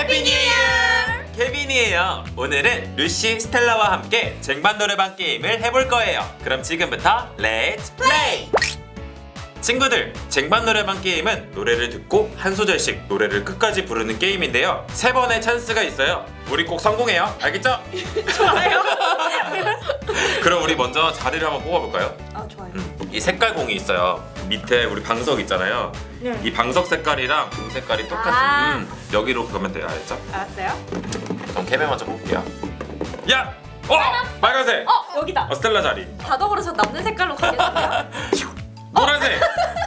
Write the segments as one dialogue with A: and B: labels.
A: 케빈이에요. 오늘은 루시, 스텔라와 함께 쟁반 노래방 게임을 해볼 거예요. 그럼 지금부터 렛츠 플레이! 친구들, 쟁반 노래방 게임은 노래를 듣고 한 소절씩 노래를 끝까지 부르는 게임인데요. 3번의 찬스가 있어요. 우리 꼭 성공해요. 알겠죠?
B: 좋아요.
A: 그럼 우리 먼저 자리를 한번 뽑아볼까요?
B: 아 좋아요.
A: 이 색깔 공이 있어요. 밑에 우리 방석 있잖아요.
B: 네.
A: 이 방석 색깔이랑 공 색깔이 똑같은 여기로 그러면 돼요. 알겠죠?
B: 알았어요.
A: 그럼 캠에 먼저 볼게요. 야! 빨간색!
B: 여기다.
A: 스텔라 자리.
B: 자동으로 저 남는 색깔로 가겠는데요?
A: 노란색!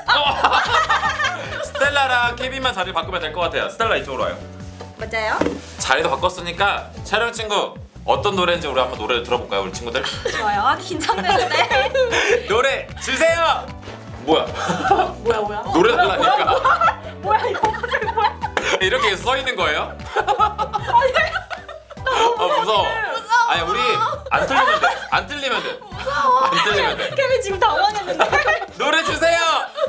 A: 스텔라랑 케빈만 자리 바꾸면 될 것 같아요. 스텔라 이쪽으로 와요.
B: 맞아요?
A: 자리도 바꿨으니까 촬영 친구 어떤 노래인지 우리 한번 노래를 들어볼까요, 우리 친구들?
B: 좋아요. 아 긴장되는데.
A: 노래 주세요! 뭐야?
B: 뭐야?
A: 노래 달라니까.
B: 뭐야 이거 갑자기 뭐야?
A: 이렇게 써 있는 거예요? 무서워. 아니 우리 안 틀리면 돼. 안 틀리면 돼. 안 틀리면 돼.
B: 케빈 지금 당황했는데.
A: 노래 주세요.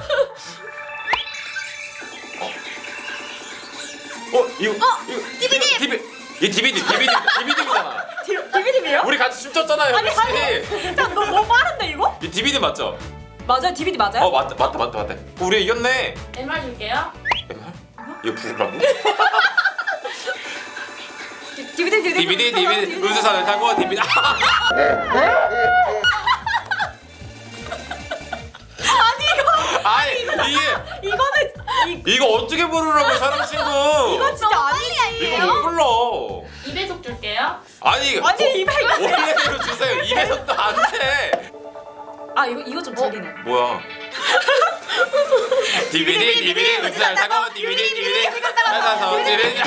A: 이거 DVD. 이 DVD잖아.
B: DVD예요?
A: 우리 같이 춤췄잖아요.
B: 아니,
A: 같이.
B: 너 너무 빠른데 이거?
A: 이 DVD 맞죠?
B: 맞아요. DVD 맞아요?
A: 맞다. 우리 이겼네.
C: MR 줄게요.
A: MR? 이거 부르라고? DVD 루즈산을 타고 DVD. 아니 이거 어떻게 부르라고 사람 친구?
B: 이거 진짜 아니지.
A: 이거 못 불러.
C: 2배속 줄게요.
A: 아니
B: 200.
A: 원래대로 주세요. 2배속도 안 돼.
B: 아 이거 좀 들리네.
A: 뭐야? DVD 루즈산을 타고 DVD 찾아서 DVD.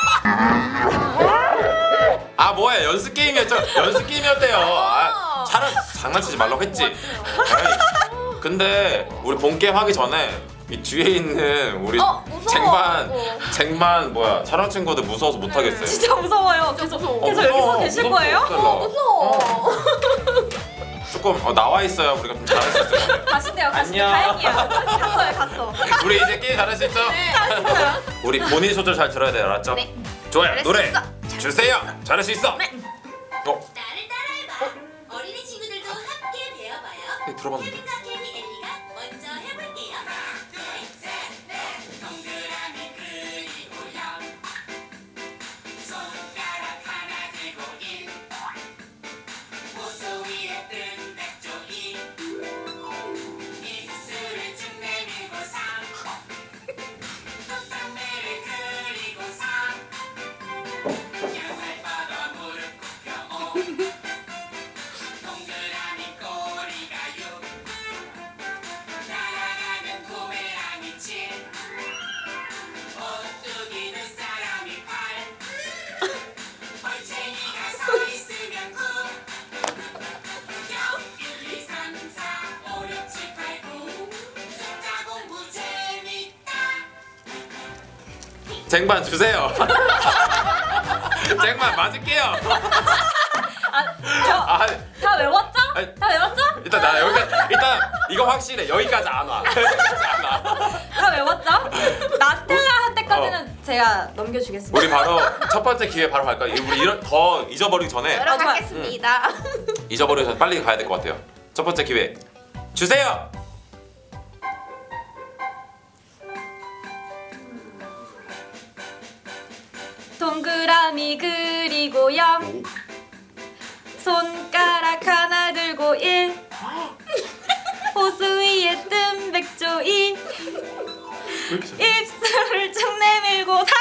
A: 아 뭐야 연습 게임이었대요. 장난치지 말라고 했지. 아이, 근데 우리 본 게임 하기 전에 이 뒤에 있는 우리 쟁반 뭐야 촬영 친구들 무서워서 못 하겠어요.
B: 진짜 무서워요. 계속 여기서 계실 거예요?
A: 무서워. 조금 나와 있어요. 우리가 좀 잘할 수 있어요.
B: 가신대요.
A: 안녕.
B: 다행이야. 갔어.
A: 우리 이제 게임 잘할 수 있죠?
B: 네, 잘했어요.
A: 우리 본인 소절 잘 들어야 돼요, 알았죠?
D: 네.
A: 좋아요.
D: 잘할 수
A: 노래
D: 있어.
A: 주세요. 잘할 수 있어.
D: 나를 따라해봐. 어린이 친구들도 함께 배워봐요.
A: 네, 들어봤는데.
D: 케빈과 케비 엘리가 먼저 해볼게요. 동그라미 그리고 영 손가락 하나 들고 일 호수 위에 뜬 백조기 입술을 쭉 내밀고 삼 콧방매를 그리고 삼 양말 뻗어 무릎 굽혀 오 동그라미 꼬리가 육 날아가는 고메랑이 칠 오뚜기 눈사람이 팔 올챙이가 서 있으면 구 1, 2, 3, 4, 5, 6, 7, 8, 9 숫자 공부 재밌다.
A: 쟁반 주세요. 쟁반 맞을게요. 아,
B: 다 외웠죠?
A: 아니,
B: 다 외웠죠?
A: 일단 나 일단 이거 확실해. 여기까지 안 와. 여기까지 안 와.
B: 다 외웠죠? 나 스텔라 할 때까지는 제가 넘겨주겠습니다.
A: 우리 바로 첫 번째 기회 바로 갈까요? 우리 더 잊어버리기 전에
D: 들어가겠습니다.
A: 잊어버리기 전에 빨리 가야 될 것 같아요. 첫 번째 기회 주세요.
B: 동그라미 그리고 0 손가락 하나 들고 1 호수 위에 뜬 백조 2 입술을 쭉 내밀고 3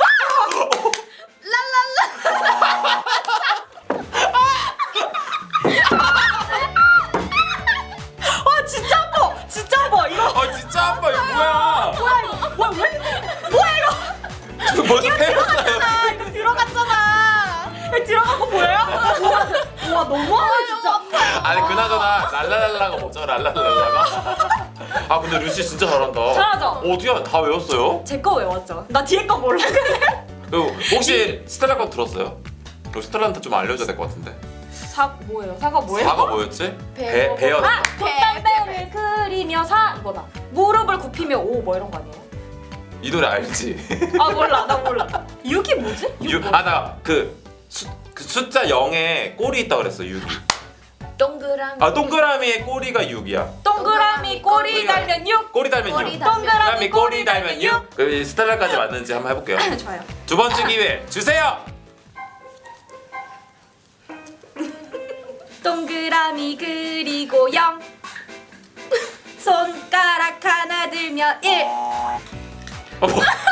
B: 진짜 아파 이거
A: 진짜 아빠 이거 뭐야?
B: 뭐야 이거
A: 저 먼저 패였어요.
B: 이거 들어갔잖아. 이거 들어간 거 보여요? 와 너무하네 진짜.
A: 아니 그나저나 랄랄랄라가 뭐죠? 랄랄랄라가? 아 근데 루시 진짜 잘한다.
B: 잘하죠?
A: 어디야? 다 외웠어요?
B: 제 거 외웠죠. 나 뒤에 거 몰라.
A: 그리고 혹시 스텔라 거 들었어요? 그리고 스텔라한테 좀 알려줘야 될 것 같은데.
B: 뭐예요? 사과 뭐예요?
A: 사가 뭐였지?
D: 배워.
A: 배였다.
B: 콧담배를 그리며 사 이거다. 무릎을 굽히며 오 뭐 이런 거 아니에요?
A: 이 노래 알지?
B: 아 몰라 나 몰라. 6이 뭐지?
A: 나 그 숫자 0에 꼴이 있다 그랬어 6이.
B: 동그라미.
A: 아 동그라미의 꼬리가 6이야.
B: 동그라미 꼬리 달면 6.
A: 꼬리 달면
D: 꼬리
A: 6.
D: 달면
A: 동그라미 꼬리 달면 6. 그 스텔라까지 맞는지 한번 해볼게요.
B: 좋아요.
A: 두 번째 기회 주세요.
B: 동그라미 그리고 0. 손가락 하나 들면 1.
A: 뭐.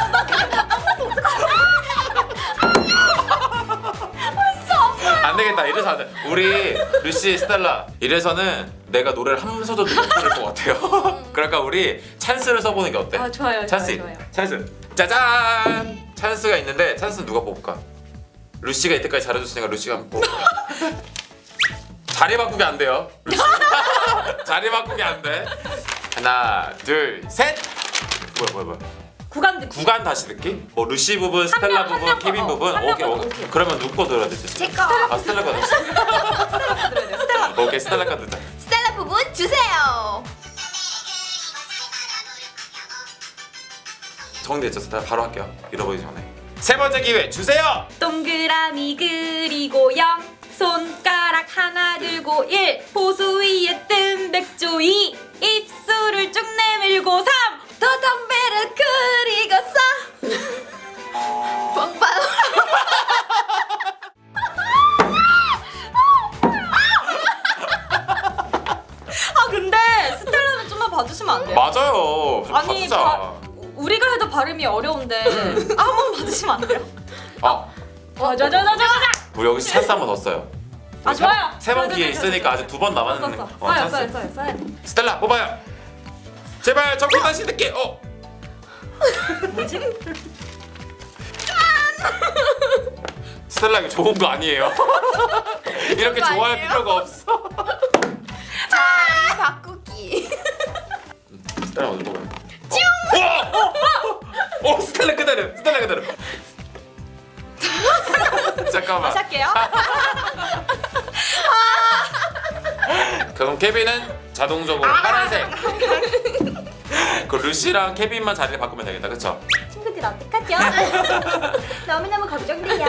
A: 안 되겠다. 이래서 안 돼. 우리 루시 스텔라 이래서는 내가 노래를 한 소절도 못 부를 것 같아요. 그러니까 우리 찬스를 써보는 게 어때?
B: 아 좋아요.
A: 찬스.
B: 좋아요.
A: 찬스. 짜잔. 찬스가 있는데 찬스는 누가 뽑을까? 루시가 이때까지 잘해줬으니까 루시가 한번 뽑을까? 자리 바꾸기 안 돼요. 루시. 자리 바꾸기 안 돼. 하나, 둘, 셋. 뭐야.
B: 구간 듣기.
A: 구간 다시 듣기? 뭐 루시 부분, 스텔라
B: 한 명
A: 부분, 케빈
B: 거,
A: 부분.
B: 한 명
A: 오케이,
B: 거,
A: 오케이.
B: 오케이.
A: 그러면 누구 거 들어야 되지?
D: 제 거.
A: 아 스텔라 거.
B: 들어야 돼요. 스텔라.
A: 오케이 스텔라 거 듣자.
D: 스텔라 부분 주세요.
A: 정리됐죠? 스텔라 바로 할게요. 잃어버리기 전에. 세 번째 기회 주세요.
B: 동그라미 그리고 0. 손가락 하나 들고 1. 보수 위에 뜬 백조 2. 입술을 쭉 내밀고 3.
D: 더 담배를 그리고 써. 빵빵.
B: 아 근데 스텔라는 좀만 봐주시면 안 돼요?
A: 맞아요. 좀
B: 아니
A: 바꾸자.
B: 우리가 해도 발음이 어려운데 한 번 봐주시면 안 돼요?
A: 아,
B: 자자자자자.
A: 우리 여기 찬스 한 번 더 써요.
B: 아 좋아요.
A: 세 번
B: 좋아요,
A: 기회
B: 좋아요,
A: 있으니까
B: 좋아요.
A: 아직 두 번 남았는
B: 썼어.
A: 거.
B: 써요.
A: 스텔라 뽑아요. 제발 정답 다시 듣게.
B: 뭐지?
A: 스텔라 이거 좋은 거 아니에요? 이렇게
D: 거
A: 좋아할
D: 아니에요?
A: 필요가 없어.
D: 자리 바꾸기.
A: 스텔라 어디 뽑아요? 스텔라 그대로. 스텔라 그대로. 잠깐만.
B: 다시 할게요.
A: 그럼 케빈은 자동적으로 파란색. 그 루시랑 케빈만 자리를 바꾸면 되겠다, 그쵸?
B: 친구들 어떡하죠? 너무너무 걱정돼요.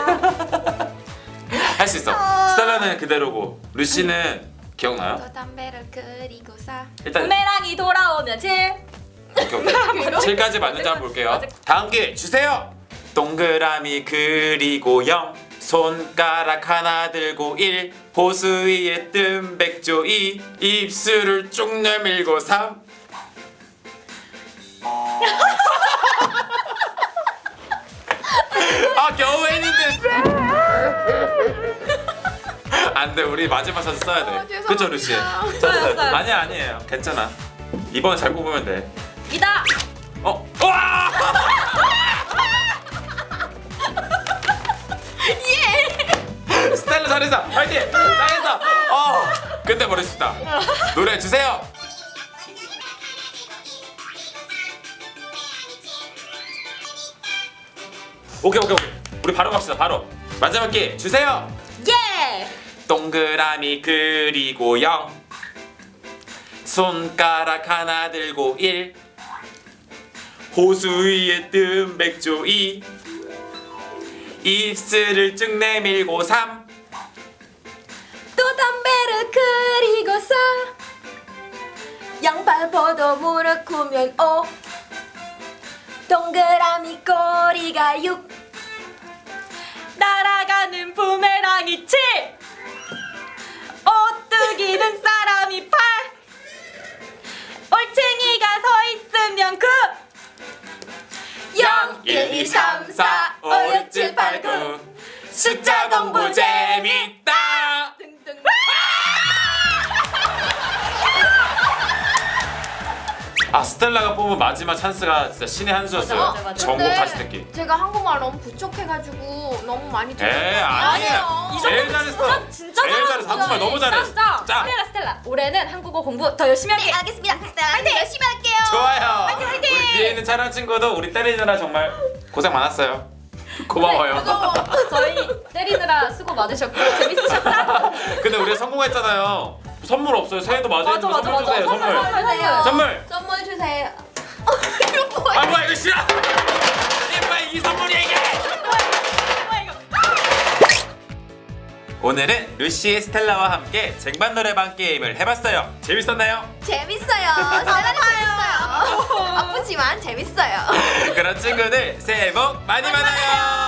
A: 할 수 있어. 스텔라는 그대로고 루시는 기억나요?
D: 더 담배를 그리고 써.
A: 일단
B: 부메랑이 돌아오면 7.
A: 오케이. 7까지 맞는지 한번 볼게요. 다음 기회 주세요. 동그라미 그리고 0. 손가락 하나 들고 1. 보수 위에 뜬 백조 2. 입술을 쭉 내밀고 3. 아 겨우 했는데 안돼 우리 마지막 찬스 써야 돼.
D: 죄송합니다.
A: 그쵸 루시?
B: 써요.
A: 아니에요 괜찮아. 이번에 잘 뽑으면 돼.
B: 이다.
A: 와! 스텔라 잘했어. 파이팅. 잘했어. 근데 버렸습니다. 노래 주세요. 오케이. 우리 바로 갑시다. 바로 마지막 기회 주세요.
B: 예.
A: 동그라미 그리고 0. 손가락 하나 들고 1. 호수 위에 뜬 백조 2. 입술을 쭉 내밀고 3.
D: 또 담배를 그리고 써. 양발 벗어 무릎 구면 5. 동그라미 꼬리가 6.
B: 날아가는 부메랑이 7. 오뚜기는 사람이 8. 올챙이가 서 있으면 9.
D: 0, 1, 2, 3, 4, 5, 6, 7, 8, 9.
A: 숫자 공부 재밌다.
D: 등등.
A: 아 스텔라가 뽑은 마지막 찬스가 진짜 신의 한 수였어요.
B: 맞아.
A: 전곡 다시 듣기.
D: 제가 한국말 너무 부족해가지고 너무 많이
A: 아니야. 제일 잘했어.
B: 진짜
A: 제일 잘했어. 한국말 너무 잘해.
B: 진짜.
A: 자,
B: 스텔라. 올해는 한국어 공부 더 열심히 할게.
D: 네, 알겠습니다. 파이팅! 열심히 할게요.
A: 좋아요.
D: 화이팅!
A: 우리 뒤에 있는 촬영 친구도 우리 때리느라 정말 고생 많았어요. 고마워요.
B: 저희 때리느라 수고 많으셨고 재밌으셨다.
A: 근데 우리 성공했잖아요. 선물 없어요. 새해도 맞이했는데 선물 주세요. 선물.
D: 주세요.
A: 선물.
D: 선물 주세요.
A: 아 뭐야 하기 싫어. 빨리 이 선물이 얘기해.
B: 뭐야 이거?
A: 오늘은 루시, 스텔라와 함께 쟁반 노래방 게임을 해봤어요. 재밌었나요?
E: 재밌어요. 스텔라는 재밌어요. 아프지만 재밌어요.
A: 그럼 친구들 새해 복 많이 받아요.